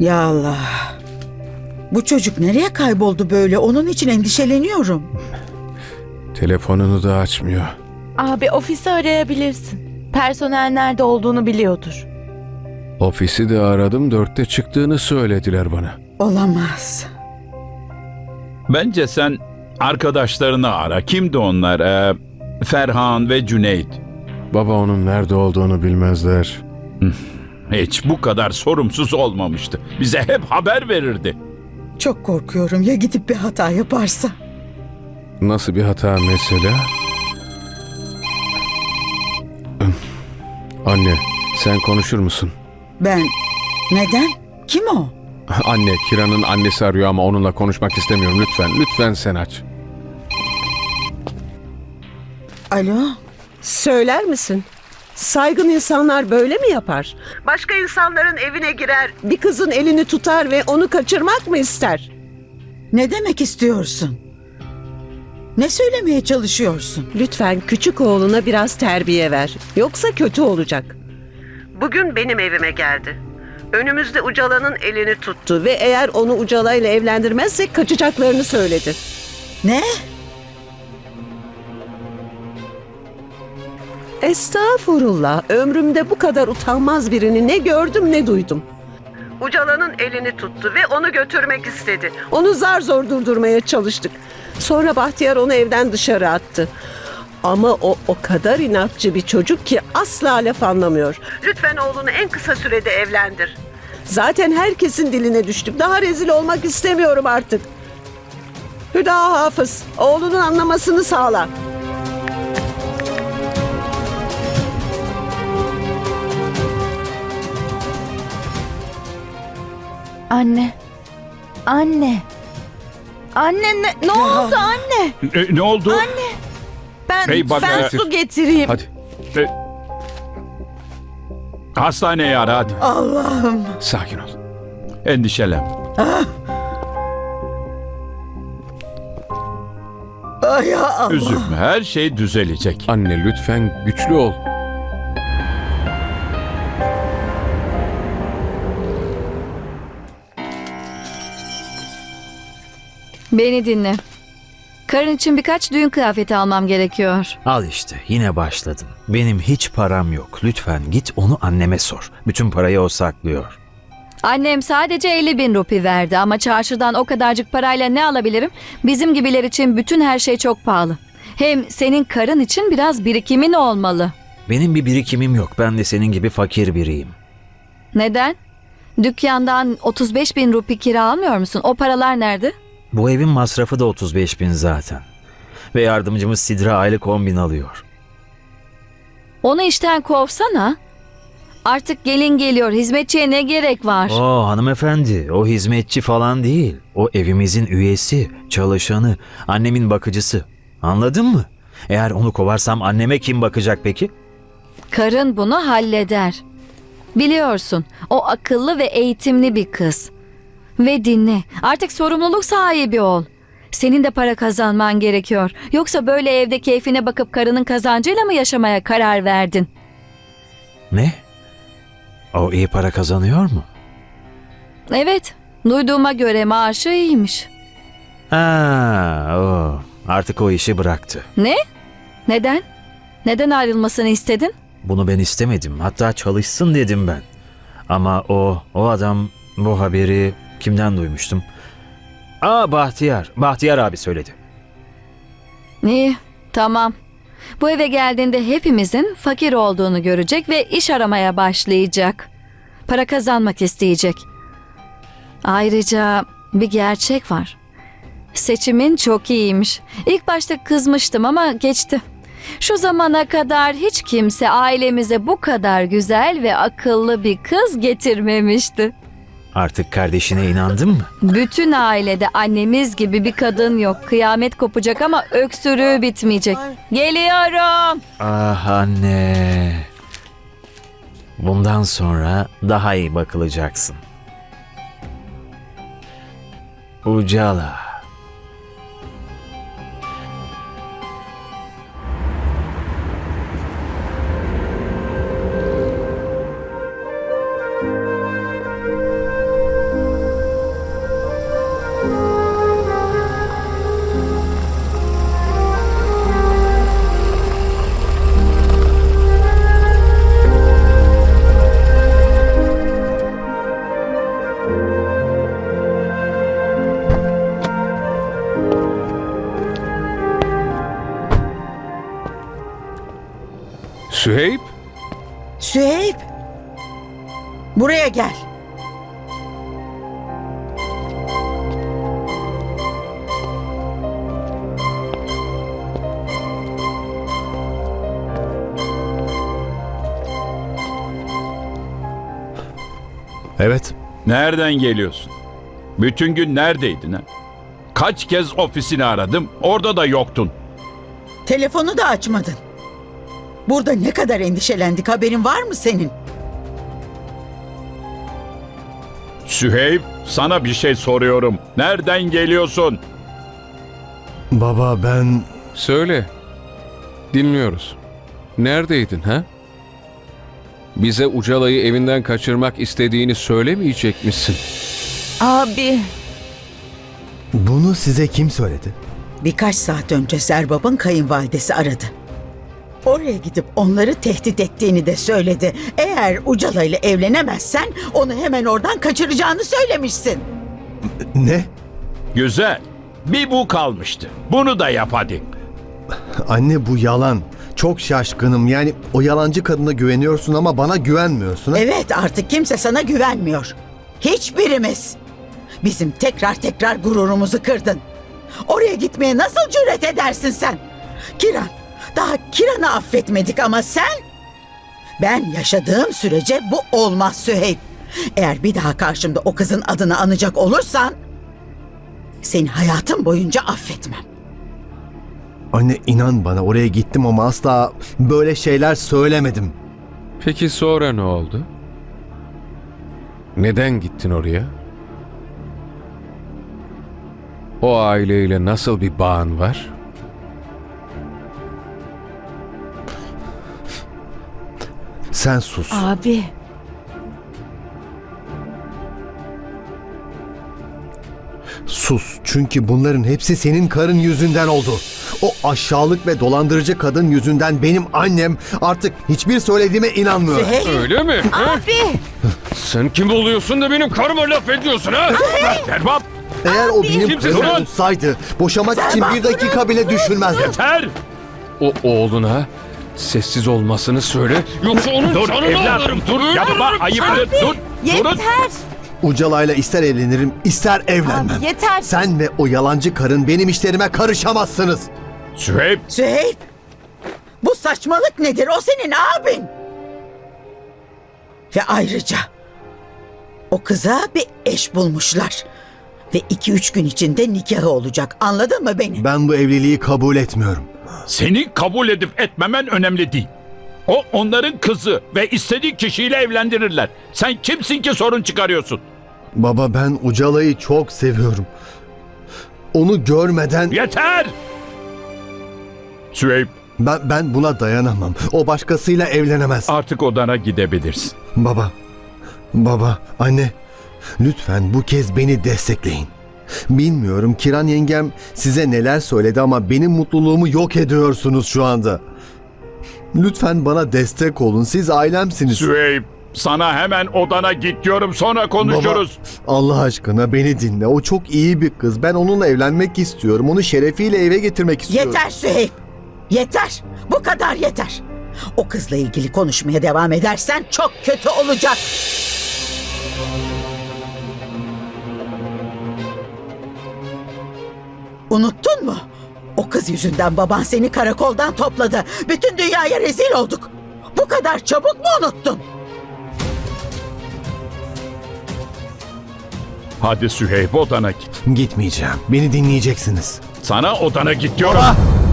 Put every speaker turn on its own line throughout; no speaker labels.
Ya Allah. Bu çocuk nereye kayboldu böyle? Onun için endişeleniyorum.
Telefonunu da açmıyor.
Abi ofisi arayabilirsin. Personel nerede olduğunu biliyordur.
Ofisi de aradım, 4'te çıktığını söylediler bana.
Olamaz.
Bence sen arkadaşlarını ara. Kimdi onlar? Ferhan ve Cüneyt.
Baba onun nerede olduğunu bilmezler.
Hiç bu kadar sorumsuz olmamıştı. Bize hep haber verirdi.
Çok korkuyorum ya gidip bir hata yaparsa.
Nasıl bir hata mesela? Anne, sen konuşur musun?
Ben... Neden? Kim o?
Anne, Kira'nın annesi arıyor ama onunla konuşmak istemiyorum. Lütfen sen aç.
Alo?
Söyler misin? Saygın insanlar böyle mi yapar? Başka insanların evine girer, bir kızın elini tutar ve onu kaçırmak mı ister?
Ne demek istiyorsun? Ne söylemeye çalışıyorsun?
Lütfen küçük oğluna biraz terbiye ver. Yoksa kötü olacak. Bugün benim evime geldi. Önümüzde Ucala'nın elini tuttu ve eğer onu Ucala ile evlendirmezsek kaçacaklarını söyledi.
Ne?
Estağfurullah. Ömrümde bu kadar utanmaz birini ne gördüm ne duydum. Ucala'nın elini tuttu ve onu götürmek istedi. Onu zar zor durdurmaya çalıştık. Sonra Bahtiyar onu evden dışarı attı. Ama o kadar inatçı bir çocuk ki asla laf anlamıyor. Lütfen oğlunu en kısa sürede evlendir. Zaten herkesin diline düştüm. Daha rezil olmak istemiyorum artık. Hüda Hafız, oğlunun anlamasını sağla.
Anne. Anne. Anne ne oldu anne?
Ne oldu?
Anne. Ben
Hey, bak,
ben
getir.
su getireyim.
Hadi.
E, Hastaneye ara hadi.
Allah'ım.
Sakin ol.
Endişelen.
Ay ya Allah.
Üzülme. Her şey düzelecek.
Anne lütfen güçlü ol.
Beni dinle. Karın için birkaç düğün kıyafeti almam gerekiyor.
Al işte yine başladın. Benim hiç param yok. Lütfen git onu anneme sor. Bütün parayı o saklıyor.
Annem sadece 50.000 rupi verdi ama çarşıdan o kadarcık parayla ne alabilirim? Bizim gibiler için bütün her şey çok pahalı. Hem senin karın için biraz birikimin olmalı.
Benim bir birikimim yok. Ben de senin gibi fakir biriyim.
Neden? Dükkandan 35.000 rupi kira almıyor musun? O paralar nerede?
Bu evin masrafı da 35.000 zaten. Ve yardımcımız Sidra aylık 10.000 alıyor.
Onu işten kovsana. Artık gelin geliyor. Hizmetçiye ne gerek var?
Hanımefendi, o hizmetçi falan değil. O evimizin üyesi, çalışanı, annemin bakıcısı. Anladın mı? Eğer onu kovarsam anneme kim bakacak peki?
Karın bunu halleder. Biliyorsun, o akıllı ve eğitimli bir kız. Ve dinle, artık sorumluluk sahibi ol. Senin de para kazanman gerekiyor. Yoksa böyle evde keyfine bakıp karının kazancıyla mı yaşamaya karar verdin?
Ne? O iyi para kazanıyor mu?
Evet, duyduğuma göre maaşı iyiymiş.
Artık o işi bıraktı.
Ne? Neden? Neden ayrılmasını istedin?
Bunu ben istemedim. Hatta çalışsın dedim ben. Ama o adam bu haberi kimden duymuştum? Bahtiyar. Bahtiyar abi söyledi.
İyi, tamam. Bu eve geldiğinde hepimizin fakir olduğunu görecek ve iş aramaya başlayacak. Para kazanmak isteyecek. Ayrıca bir gerçek var. Seçimin çok iyiymiş. İlk başta kızmıştım ama geçti. Şu zamana kadar hiç kimse ailemize bu kadar güzel ve akıllı bir kız getirmemişti.
Artık kardeşine inandın mı?
Bütün ailede annemiz gibi bir kadın yok. Kıyamet kopacak ama öksürüğü bitmeyecek. Geliyorum.
Ah anne. Bundan sonra daha iyi bakılacaksın. Ucala.
Süheyb?
Süheyb. Buraya gel.
Evet.
Nereden geliyorsun? Bütün gün neredeydin ha? Kaç kez ofisini aradım, orada da yoktun.
Telefonu da açmadın. Burada ne kadar endişelendik, haberin var mı senin?
Süheyb, sana bir şey soruyorum. Nereden geliyorsun?
Baba ben...
Söyle. Dinliyoruz. Neredeydin ha? Bize Ucala'yı evinden kaçırmak istediğini söylemeyecek misin?
Abi,
Bunu size kim söyledi?
Birkaç saat önce Serbab'ın kayınvalidesi aradı. Oraya gidip onları tehdit ettiğini de söyledi. Eğer Ucala ile evlenemezsen onu hemen oradan kaçıracağını söylemişsin.
Ne?
Güzel. Bir bu kalmıştı. Bunu da yap hadi.
Anne bu yalan. Çok şaşkınım. Yani o yalancı kadına güveniyorsun ama bana güvenmiyorsun. Ha?
Evet, artık kimse sana güvenmiyor. Hiçbirimiz. Bizim tekrar gururumuzu kırdın. Oraya gitmeye nasıl cüret edersin sen? Kiran, daha Kiran'ı affetmedik ama sen... Ben yaşadığım sürece bu olmaz Süheyb. Eğer bir daha karşımda o kızın adını anacak olursan... Seni hayatım boyunca affetmem.
Anne inan bana, oraya gittim ama asla böyle şeyler söylemedim.
Peki sonra ne oldu? Neden gittin oraya? O aileyle nasıl bir bağın var?
Sen sus.
abi.
Sus. Çünkü bunların hepsi senin karın yüzünden oldu. O aşağılık ve dolandırıcı kadın yüzünden benim annem artık hiçbir söylediğime inanmıyor.
Süheyb,
Öyle mi?
Abi.
Sen kim oluyorsun da benim karıma laf ediyorsun ha?
Serbap,
Eğer o benim
Kimse
karım
sen-
olsaydı boşamak için bir dakika bile düşünmezdim.
yeter!
O oğluna sessiz olmasını söyle. Yoksa onun
Dur
canını
evladım,
alırım.
dur. Yapma, ayıptır. Dur, durun.
Yeter.
Ucala'yla ister evlenirim ister evlenmem.
Abi, yeter.
Sen ve o yalancı karın benim işlerime karışamazsınız.
Süheyb,
Süheyb. Bu saçmalık nedir? O senin abin. Ve ayrıca o kıza bir eş bulmuşlar. Ve 2-3 gün içinde nikahı olacak. Anladın mı beni?
Ben bu evliliği kabul etmiyorum.
seni kabul edip etmemen önemli değil. O onların kızı ve istediği kişiyle evlendirirler. Sen kimsin ki sorun çıkarıyorsun?
Baba ben Ucala'yı çok seviyorum. Onu görmeden
Yeter! Süheyb,
ben buna dayanamam. O başkasıyla evlenemez.
artık odana gidebilirsin.
Baba, anne, lütfen bu kez beni destekleyin. Bilmiyorum Kiran yengem size neler söyledi ama benim mutluluğumu yok ediyorsunuz şu anda. Lütfen bana destek olun. Siz ailemsiniz.
Süheyb, sana hemen odana git diyorum, sonra konuşuruz.
Baba, Allah aşkına beni dinle. O çok iyi bir kız. Ben onunla evlenmek istiyorum. Onu şerefiyle eve getirmek istiyorum.
Yeter Süheyb. Yeter. Bu kadar yeter. O kızla ilgili konuşmaya devam edersen çok kötü olacak. Unuttun mu? O kız yüzünden baban seni karakoldan topladı. Bütün dünyaya rezil olduk. Bu kadar çabuk mu unuttun?
Hadi Süheyb, odana git.
Gitmeyeceğim. Beni dinleyeceksiniz.
Sana odana git diyorum.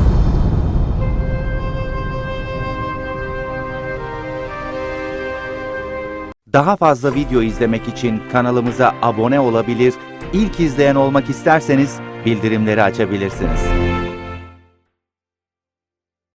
Daha fazla video izlemek için kanalımıza abone olabilir, ilk izleyen olmak isterseniz bildirimleri açabilirsiniz.